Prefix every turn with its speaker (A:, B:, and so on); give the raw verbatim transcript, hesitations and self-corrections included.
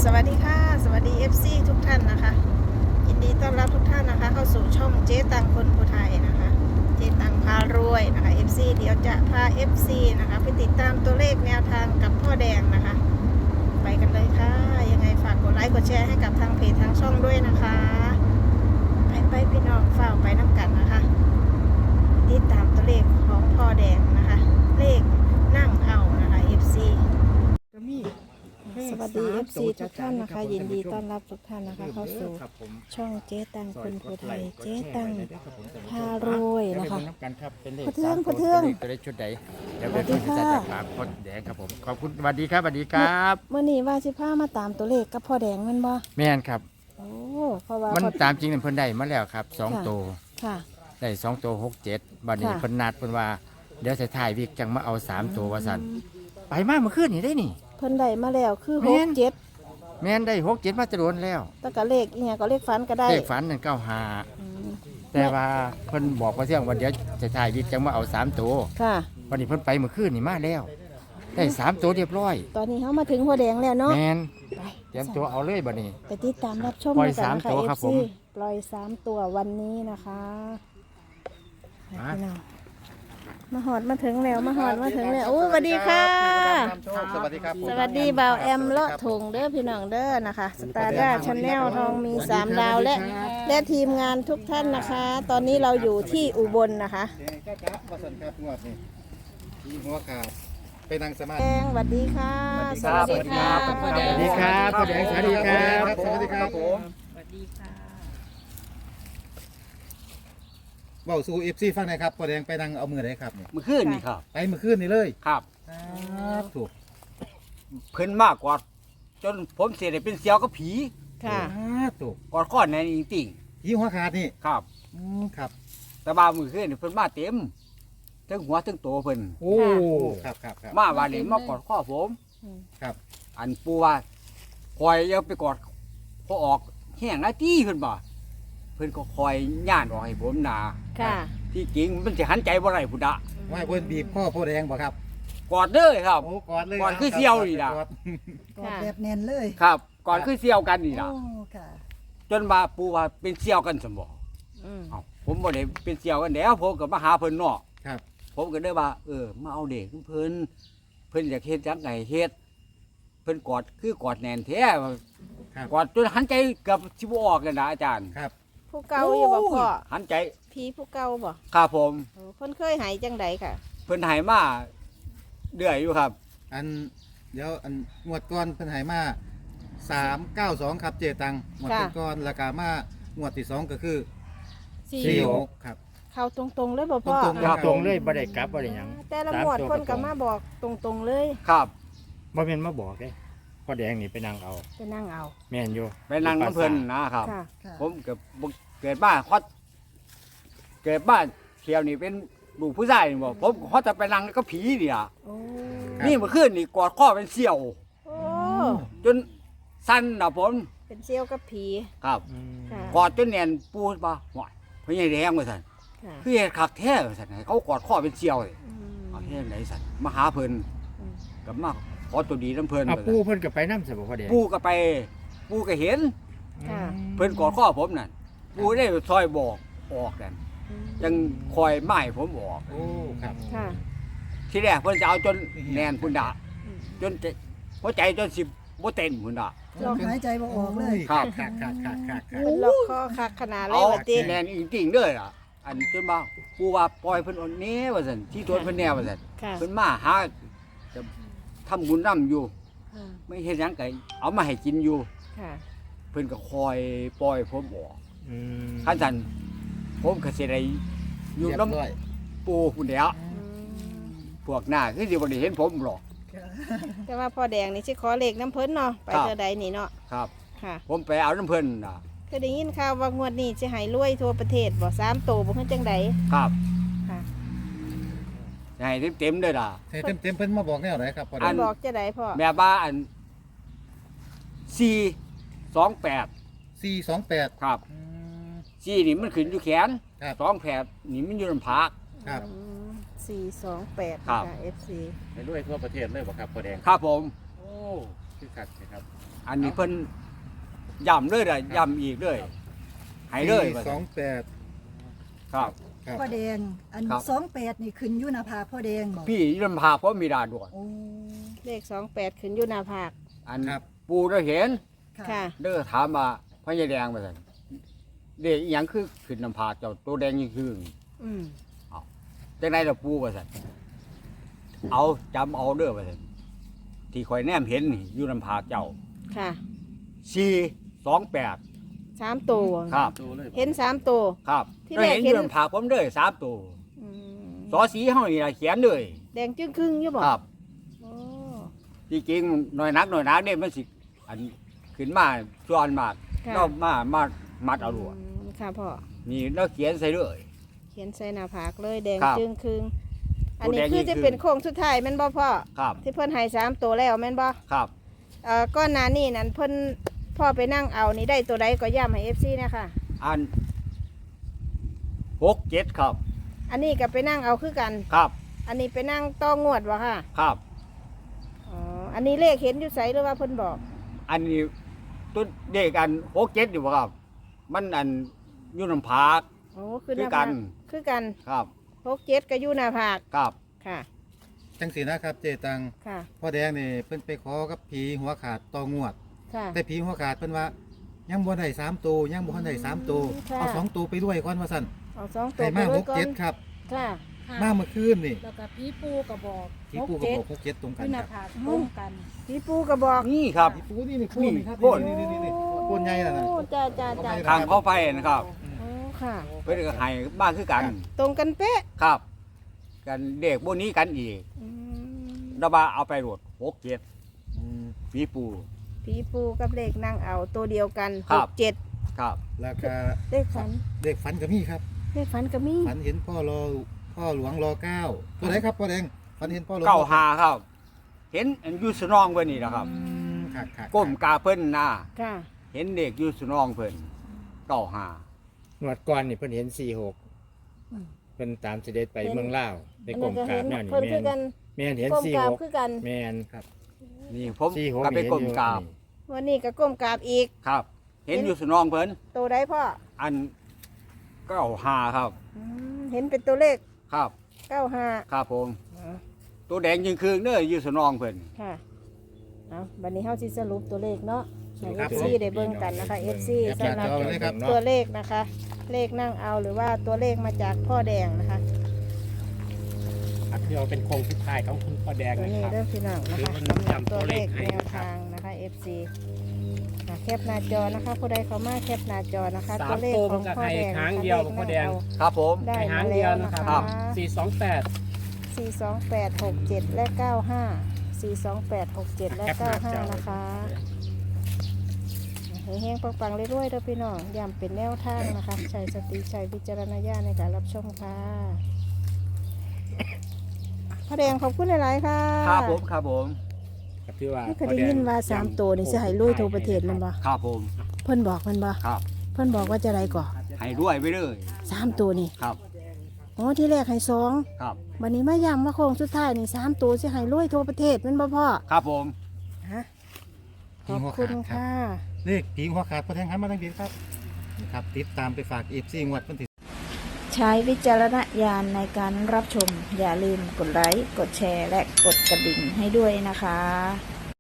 A: สวัสดีค่ะสวัสดี เอฟ ซี ทุกท่านนะคะยินดีต้อนรับทุกท่านนะคะเข้าสู่ช่องเจ๊ตังคนผู้ไทยนะคะเจ๊ตังพารวยนะคะ เอฟ ซี เดี๋ยวจะพา เอฟ ซี นะคะไปติดตามตัวเลขแนวทางกับพ่อแดงนะคะไปกันเลยค่ะยังไงฝากกดไลค์กดแชร์ให้กับทางเพจทางช่องด้วยนะคะไปไปพี่น้องฝ้าไปน้ำกันนะคะติดตามตัวเลขของพ่อแดงนะคะเลขนั่งเอานะคะ เอฟ ซี สวัสดี เอฟ ซี ทุกท่านนะคะยินดีต้อนรับทุกท่านนะคะเข้าสู่ช่องเจ๊ตังคนผู้ไทยเจ๊ตังพารวยนะคะพะเทืองพะเทือง
B: ตัวเลขชุดใดเดี๋ยวเป็นผู้จัดจากปากพอแดงครับผมขอบคุณสวัสดีครับสวัสดีครับ
A: เมื่อนี้ว่าสิพามาตามตัวเลขกับพ่อแดงแมันบ่
B: แม่นครับ
A: โอ้เพราะว่า
B: มัน
A: พ่อ
B: ตามจริงเพิ่นได้มาแล้วครับสองตัว
A: ค่ะ
B: ได้สองตัวหกเจ็ดบัดนี้
A: ค่ะ
B: เพิ่นนัดเพิ่นว่าเดี๋ยวถ่ายวิกจังมาเอาสามตัวว่าสั่นไปมาเมื่อคืนนี่ได้นี่
A: เพิ่นได้มาแล้วคือ
B: แม่
A: หก
B: น
A: เจ็ด
B: แม่นได้หกเจ็ดมาจะโดนแล้ว
A: แต่ก็เลขอีหยังก็เลขฝันก็ได้
B: เลขฝันนั่นเก้าห้า
A: อืม
B: แต่ว่าเพิ่นบอกว่าเที่ยงวันเดี๋ยวจะถ่ายวิกจังมาเอาสามตัว
A: ค่ะ
B: วันนี้เพิ่นไปเมื่อคืนนี่มาแล้ว ได้สามตัวเรียบร้อย
A: ตอนนี้เฮามาถึงพ่อแดงแล้วเนาะ
B: แม่น
A: ไป
B: เตรียมตัวเอาเลยบัดนี้
A: ไปติดตามรับชม
B: ปล่อย
A: กัน
B: สาม
A: นะคะ
B: ตัวครับ
A: เอฟ
B: ผม
A: ซี ปล่อยสามตัววันนี้นะคะไปพี่น้องมาหอดมาถึงแล้วมาหอดมาถึงแล้วโอ้สวัสดีค่ะ
C: สวัสดีครับ
A: สวัสดีบ่าวแอมเลาะถุงเด้อพี่น้องเด้อนะคะสตาร์ด้าชาแนลทองมีสามดาวและและทีมงานทุกท่านนะคะ ตอนนี้เราอยู่ที่อุบลนะคะ
C: จ้าจ้าวัสันครับงวดนี่ที่หัวขาดไปนั่งสมา
A: แด
C: ธิ
A: งสวัสดีค่ะ
B: สวัสดีครับ
A: พ่อแด
B: ส
A: ง
B: วัสดีครับพ่อแดงสวัสดีครับ
C: สวัสดีครับผม
A: สวัสดีค่ะ
C: เบาสู่เอฟซีฟังหน่อยครับพอแดงไปนั่งเอามือไหนครับเนี่ย
D: เมื่อคืนนี่ครับ
C: ไปเมื่อคืนนี่เลย
D: ครับ
C: ครับถูก
D: เพิ่นมากกว่าจนผมเสียได้เป็นเสียวกับผี
A: ค่ะ
C: ครับถูก
D: กอดข้อนในนจริง
C: ยี่หัวขาดนี่
D: ๆครับ
C: อืมครับ
D: แต่ว่ามื่อคืนนี่เพิ่นมาเต็มทั้งหัวทั้งตัวเพิ่น
C: โอ้ครับครับครับ
D: มาว่านี่มากอดข้อผม
C: ครับ
D: อันปูว่าคอยอย่าไปกอดพอออกแห้งหน้าที่เพิ่นบ่เพิ่นก็คอยย่านออกให้ผมนา
A: ค่ะ
D: ที่จริงมันสิหันใจบ่ได้พุ่นดะ
C: ว่าเพิ่นบีบข้อพ่อแดงบ่ครับ
D: กอดเด้อครับ
C: โอ้กอดเลย
D: กอดคือเสี่ยวนี่ล่ะ
C: กอด
E: กอดแบบแน่นเลย
D: ครับกอดคือเสียวกันนี่
E: โอ้
D: ล่ะ
E: ค่ะ
D: จนว่าปูว่าเป็นเสียวกันสมบ่
A: อืม
D: เอ้าผมบ่ได้เป็นเสี่ยวกันแล้วผมก็มาหาเพิ่นเนาะ
C: ครับ
D: ผมก็ได้ว่า เออ มาเอาเด็กเพิ่นเพิ่นอยากเฮ็ดจังไงเฮ็ดเพิ่นกอดคือกอดแน่นแท้
C: ครับ
D: กอดจนหันใจเกือบสิบ่ออกเลยนะอาจารย์
C: ครับ
A: ผู้เก่าอยู่บ่พ่อ
D: หันใจ
A: ผีผู้เก่าบ่
D: ครับผม
A: โอ้เพิ่นเคยหายจังใดค่ะ
D: เพิ่นให้มาเดือยอยู่ครับ
C: อันเดี๋ยวอันงวดก่อนเพิ่นให้มาสามเก้าสองครับเจตังงวด
A: ค่ะ
C: ก่อนราคามางวดที่สองก็คือ
A: สี่
C: สี่หกครับ
A: เข้าตรงๆเลยบ่พ่อ
C: ตรงๆ
B: ครับตรงเลยบ่ได้กลับบ่ได้หยัง
A: แต่ละหมวดเพิ่นก็มาบอกตรงๆเลย
D: ครับ
B: บ่แม่นมาบอกเด้พ่อแดงนี่ไปนั่งเอา
A: ไปนั่งเอา
B: แม่นอยู่
D: ไปนั่งน้ำเพิ่นนะครับ
A: ค่ะ
E: ค่ะ
D: ผมเกิดบ่เกิดบ้านฮอดเกิดบ้านเที่ยวนี่เป็นลูกผู้ชายนี่บ่ผมฮอดจะไปนั่งก็ผีนี่ล่ะ
A: โอ้
C: ครับ
D: นี่เมื่อคืนนี่กอดข้อเป็นเสี่ยว
A: โอ้
D: จนสั่นน่ะผม
A: เป็นเซี่ยวกับผี
D: ครับ
A: ค่ะ
D: กอดจนแน่นปูดบ่หวายเพิ่นใหญ่แดงว่าซั่น
A: ค่ะ
D: คือเฮ็ดคักแท้ว่าซั่นให้เขากอดข้อเป็นเสี่ยวเลย
A: อืม
D: เอาเฮ็ดไหนซั่นมาหาเพิ่น
A: อืม
D: กับมาขอตัวดีน้ำเพิ่น
B: เอา
D: ว่า
B: ปู
D: ซั่น
B: เพิ่นก็ไปนำซะบ่พ่อแดง
D: ปูก็ไป ปูก็เห็น
A: ค่ะ
D: เพิ่นกอดข้อผมนั่นปูได้ซอยบอกออกนั่น
A: อืม
D: ยังคอยไม้ผมออก
C: โอ้ครับ
A: ค่ะ
D: ทีแรกเพิ่นจะเอาจนแน่นพุ่นดะ
A: อืม
D: จนจะหัวใจจนสิบ่เต้นพุ่นดะ
E: ลองหายใจบ่ออกเลย
D: ครับ
C: ครับครับครับครับครับ
A: เพิ่นล็อกคอคักขนาดเลย
D: เอา
A: ว่าติ
D: แน่นจริงๆเด้อล่ะ อันจนว่าปูว่าปล่อยเพิ่นอ่อนแน่ว่าซั่นที่ตัวเพิ่นแน่ว่าซั่น
A: ค่ะ
D: เพิ่นมาหาจะทำบุญนํอยู่
A: ค่ะ
D: ไม่เฮ็ดหยังก็เอามาให้กินอยู่
A: ค่ะ
D: เพิ่นก็คอยปล่อยผมออก
B: อืม
D: คันซั่นผมก็สิได้อยู่
C: เรียบ
D: น้ำ
C: ร้อย
D: ปูพุ่นแหล้ว
A: อืม
D: พวกหน้าคือสิบ่ได้เห็นผมหรอก
A: แต่ว่าพ่อแดงนี่สิขอเลขน้ำเพิ่นเนาะไป
D: ครับ
A: เท่าใดนี่เนาะ
D: ครับ
A: ค่ะ
D: ผมไปเอาน้ำเพิ่นน่ะ
A: เคยได้ยินข่าวว่างวดนี้สิให้รวยทั่วประเทศบ่สามโตบ่คือจังใด
D: ครับ
A: ค่ะ
D: จะให้เต็มๆเด้อล่ะ
C: เต็มเต็มๆเพิ่นมาบอกแนวไหนครับพอ
D: อั
C: แด
A: เพิ่
C: ง
A: นบอกจะได้พ่อ
D: แม่บ้าอันสี่สองแปด
C: สี่สองแปด
D: ครับสี่นี่มันขึ้นอยู่แขน
C: ครับ
D: สองแปดนี่มันอยู่ลำพัก
C: ครับ
A: อืมสี่สองแปด
D: ครับ
A: ค่ะ เอฟ ซี
B: ไปด้วยทั่วประเทศเลยบ่ครับพ่อแดง
D: ครับผม
B: โอ้คือคักนะครับ
D: อันนี้เพิ่นย้ำเลยได้ย้ำอีกเลยให้เลยว่า
C: ส
D: ซั่
C: อน งแปด
D: ครับ
C: ครับ
E: พ่อแดง อัน
D: ครับ
E: สองแปดนี่ขึ้นอยู่หน้าผากพ่อแดงบอก
D: พี่ลำพาเพราะมีดาด่วน
E: โอ้
A: เลขสองแปดขึ้นอยู่หน้าผาก
D: อัน
C: ครับ
D: ปูได้เห็น
A: ค่ะ
D: เด้อถามมาพญาแดงว่าซั่นเด็กอีหยังคือขึ้นลำพาเจ้าตัวแดงยิ่งคือ
A: อืม
D: จังไดล่ะปูว่าซั่นเอาจำเอาเด้อว่าซั่นที่ข่อยแนมเห็นนี่อยู่ลำพาเจ้า
A: ค่ะ
D: สี่สองแปด
A: สามตัว
D: ครับ
A: เห็นสามตัว
D: ครับ
A: ที่
D: ก็
A: แรก
D: เห็นอ
A: เห็น
D: ยู่ลำพาผมเด้อสามตัว
A: อืม
D: สอสีเฮานี่ล่ะเขียนเลย
A: แดงจึ้งครึ่งอยู่บ่
D: ครับ
A: โอ้
D: จริงๆหน่อยนักหน่อยนักเนี่ยมันสิอันขึ้นมาส่วนมาก
A: ค่ะ
D: เรามามามัดเอาลวด
A: อืมค่ะพ่อ
D: นี่เราเขียนใส่เลย
A: เขียนใส่หน้าผากเลยแดง
D: ครับ
A: จึ้งครึ่งอัน
D: ตัว
A: นี้
D: แดง
A: คือ
D: ยิ่ง
A: จะ
D: ครึ่ง
A: เป็นโค้งสุดท้ายแม่นบ่พ่อ
D: ครับ
A: ที่เพิ่นให้สามตัวแล้วแม่นบ่
D: ครับ
A: เอ่อก้อนหน้านี่นั่นเพิ่นพ่อไปนั่งเอานี่ได้ตัวใดก็ย้ำให้ เอฟ ซี นะคะ
D: อันหกเจ็ดครับ
A: อันนี้ก็ไปนั่งเอาคือกัน
D: ครับ
A: อันนี้ไปนั่งต้องงวดวะค่ะ
D: ครับ
A: อ๋ออันนี้เลขเห็นอยู่ไสหรือว่าเพิ่นบอก
D: อันนี้ตัวเด็กอันหกเจ็ดอยู่บ่ครับ มันอันอยุ่นำพาก
A: โอ้คือห
D: คือ
A: น้า
D: กั
A: ผาน กคือกัน
D: ครับ
A: หกเจ็ดก็อยู่หน้าผาก
D: ครับ
A: ค่ะ
C: จังสีนะครับเจตัง
A: ค่ะ
C: พ่อแดงนี่เพิ่นไปขอกับผีหัวขาดต่องวด
A: ค่ะ
C: แต่ผีหัวขาดเพิ่นว่า ยังบ่ได้สามตัวยังบ่ทันได้สามตัว
A: ค่ะ
C: เอาสองตัวไปด้วยก่อนว่าซั่น
A: เอาสองตัว
C: ให้
A: ไป
C: มา
A: ด้
C: ห
A: วย
C: ก
A: ก่อ
C: เจ็
A: น
C: ดครับ
A: ค่ะ
C: มาเมื่อคืนนี่
F: แล้วก็พี่ปูก็บอก
C: ผีปูกับบอกหกเจ็ดตรงกัน
F: ขึ้นห
C: ค
F: น้า
C: รับ
F: ผากตรงกัน
A: พี่ปูก็บอก
D: นี่ครับ
C: ผีปูนี่นี่โคนนี่ครับ
D: โคน
C: นี่นี่นี่นี่โคนใหญ่น่ะนะ
A: โอ้จ้าจ้าจ้า
D: ทางเข้าไปนะครับ
A: โอ้ค่ะ
D: เพื่อนก็ให้บ้านคือกัน
A: ตรงกันเป๊ะ
D: ครับ กันเด็กพวกนี้กันอีก
A: อืม
D: ระบาเอาไปโหลดหกเจ็ด
C: อืม
D: ปีปู
A: พี่ปูกับเลขนั่งเอาตัวเดียวกัน
D: ครั
A: ห
D: บ
A: กเจ็ด
D: ครับ
C: แล้วก็
A: เลขฝัน
C: เด็กฝันก็มีครับ
A: เลขฝันก็มี
C: ฝันเห็นพ่อรอพ่อหลวงรอเก้าตัวไหนครับพ่อแดงฝันเห็นพ่อหลวง
D: เก้าหาครับ เห็นอันอยูสนองเพิ่นนี่นะครับ
C: อืมครับครับ
D: ก้มกาเพิ่นนะ
A: ค่ะ
D: เห็นเด็กอยูสนองเพิ่นเก้าหา
B: งวดก่อนนี่เพิ่นเห็นสี่หก
A: อืม
B: เพิ่นตามเสด็จไปเมืองลาวไป
A: อัน
B: กร
A: นั้น
B: ม
A: ก็
B: กรา
A: เห็
B: บ
A: น
B: แนวนี้
A: เพิ่นคือ
B: แม่
A: กัน
B: นแม่นเห็น
A: ก้ม
B: สี่
A: กรา
B: ห
A: บ
B: ก
A: คือกัน
B: แม่น
D: นี่ผม
B: สี่หก
D: ก็ไป
B: นี่
D: ก้มกราบ
A: วันนี้ก็ก้มกราบอีก
D: ครับ เห็นอยูสนองเพิ่น
A: ตัวใดพ่อ
D: อันเก้าหาครับ
A: อืมเห็นเป็นตัวเลข
D: ครับ
A: เก้าห้า
D: ครับผม ตัวแดงยิงคืนเด้ออยูสนองเพิ่น
A: ค่ะเอาบัดนี้เฮาสิสรุปตัวเลขเนาะให้
C: ครับ
A: เอฟซีได้เบิ่งกันนะคะ เอฟซี
C: แคปหน้า
A: สำหรับ
C: จอเลยครับ
A: ตัวเลขนะคะ เลขนั่งเอาหรือว่าตัวเลขมาจากพ่อแดงนะคะ
G: ครับที่เราเป็นโครงสุดท้ายของคุณพ่อแดง
A: ตัว
G: นะ
A: นี้
G: ครับ
A: เริ่มพี่น้องนะคะ
G: คือมัน
A: สำหรับ
G: จำตั
A: ตัว
G: ว
A: เล
G: เล
A: ข
G: ขให้
A: แนว
G: ครับ
A: ทางนะคะ เอฟ ซี อ่ะแคปหน้าจอนะคะผู้ใดเข้ามาแคปหน้าจอนะคะ
G: สาม
A: ตัวเลข
G: ตัว
A: ของ
G: มันก็
A: พ่อแดง
G: ให้หาง
A: นะคะ
G: เดียว
A: ลข
G: พ่อแดง
A: นั่า
D: ครับผม
A: ได้
G: ไปหาม
A: าง
G: เดี
A: แล้
G: ยว
A: ว
G: นะ
A: นะ
G: ครั
A: คะ
G: บ สี่สองแปด
A: สี่สองแปดหกเจ็ดและเก้าห้าสี่สองแปดหกเจ็ดและ
G: แคปห
A: เก้า
G: น้า
A: ห้า
G: จอ
A: นะคะเฮงๆปังๆเรื่อยๆเด้อพี่น้องย้ำเป็นแนวทางนะคะใช้สติใช้วิจารณญาณในการรับชมค่ะพ่อแดงขอบคุณหลายๆค่ะ
D: ครับผมครับผม
B: ครับที่ว่า
A: ไม่เคยได้ยินว่าสามตัวนี่สิให้ลุยทั่วประเทศแมันบ่
D: ครับผม
A: เพิ่นบอกมันบ่
D: ครับ
A: เพิ่นบอกว่าจะไรก่อ
D: ให้ด้วยไปเลย
A: สามตัวนี่
D: ครับ
A: อ๋อที่แรกให้สอง
D: ครับ
A: วันนี้มาย้ำว่าโค้งสุดท้ายนี่สามตัวสิให้ลุยทั่วประเทศแมันบ่พ่อ
D: ครับผม
A: ฮะข
C: ผี
A: อบ
C: หัว
A: คุ
C: ขา
A: ณ
C: ดครับ
A: ค่ะ
C: เลขผีหัวขาดพ่อแดงหันมาทางนี้ครับนี่ครับติดตามไปฝากเอฟซีงวดวันที่
H: ใช้วิจารณญาณในการรับชม อย่าลืมกดไลค์ กดแชร์ และกดกระดิ่งให้ด้วยนะคะ